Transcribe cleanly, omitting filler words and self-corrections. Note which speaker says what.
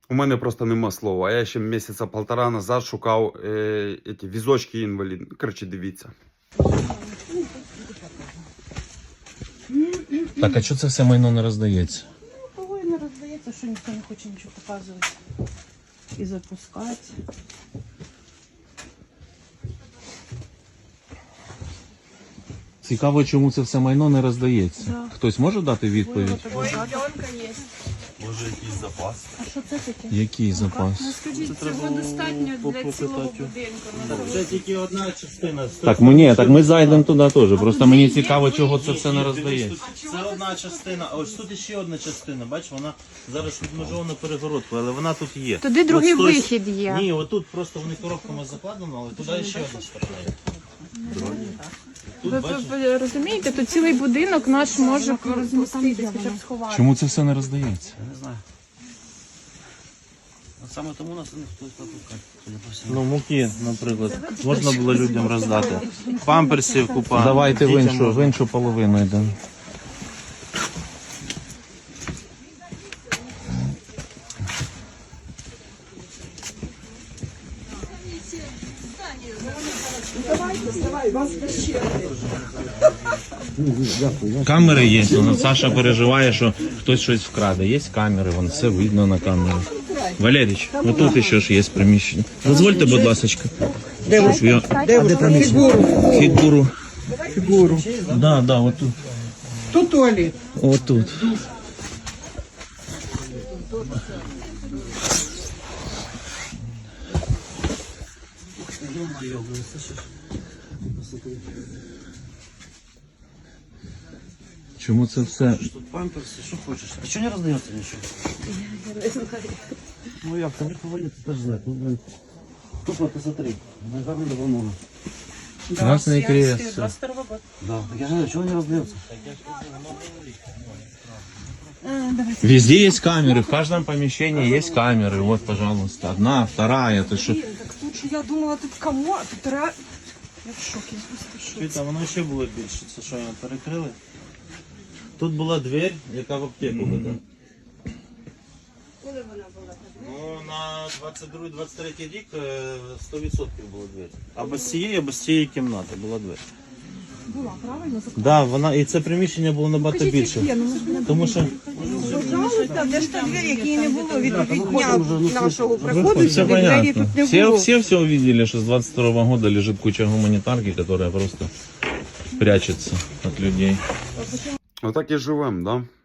Speaker 1: У мене просто нема слова. Я ще місяця полтора назад шукав ці візочки інвалідні. Коротше, дивіться.
Speaker 2: Так, а чого це все майно не роздається?
Speaker 3: Того і не роздається, що ніхто не хоче нічого показувати і запускати.
Speaker 2: Цікаво, чому це все майно не роздається.
Speaker 3: Да.
Speaker 2: Хтось може дати відповідь?
Speaker 4: Може якийсь запас?
Speaker 3: А що це таке?
Speaker 2: Який запас?
Speaker 5: Ну скажіть, цього достатньо для цілого будинку.
Speaker 4: Це тільки одна частина.
Speaker 2: Так, ми зайдемо туди теж. Просто мені цікаво, чого це все не роздається.
Speaker 4: Це одна частина, а ось тут ще одна частина. Бачиш, вона зараз відмежована перегородкою, але вона тут є.
Speaker 5: Туди другий
Speaker 4: Ось той-
Speaker 5: вихід є.
Speaker 4: Ні, отут просто вони коробками закладено, але туди ще одна сторона є. Тут, бачиш,
Speaker 5: Ви розумієте, тут цілий будинок наш може розміститися, хоча б сховати.
Speaker 2: Чому це все не роздається?
Speaker 4: я не знаю. От саме тому нас ніхто запускає, судя по всьому. Ну, муки, наприклад, можна було людям роздати. Памперсів купа.
Speaker 2: Давайте в іншу половину йдемо. Камери є, Саша переживає, що хтось щось вкраде. Є камери, вон все видно на камері. Валерійович, тут ще ж є приміщення. Дозвольте, будь ласка. Фігуру. Фігуру. Да, отут.
Speaker 6: Тут туалет.
Speaker 2: Отут. Чому це все?
Speaker 4: Тут памперси, що хочеш. А чого не роздається нічого? Я не знаю. Ну як, там повалити теж знати. Ну, блин. Тут посмотри, гарно давно.
Speaker 2: Красний крест.
Speaker 3: 22 год.
Speaker 4: Да, так я знаю, чого не роздається?
Speaker 2: Везде есть камеры, в каждом помещении есть камеры. Вот, пожалуйста, одна, вторая. Это что?
Speaker 6: Так тут же я думала, тут кому, а тут Я в шокі, просто в шокі.
Speaker 4: Віта, воно ще було більше, це що його перекрили. Тут була двері, яка в аптеку веде. Коли вона була? Ну, на 22-23 рік 100% була двері. А без цієї кімнати була двері.
Speaker 6: Була, правильно?
Speaker 4: Да, вона, і це приміщення було набагато більше. Тому що
Speaker 6: Пожалуйста, де ж та двері, які не було від дня нашого приходу,
Speaker 2: Все
Speaker 6: сюди двері
Speaker 2: понятно.
Speaker 6: тут не було.
Speaker 2: Все увидели, что с 22 года лежит куча гуманитарки, которая просто прячется от людей.
Speaker 1: Отак і живемо, да?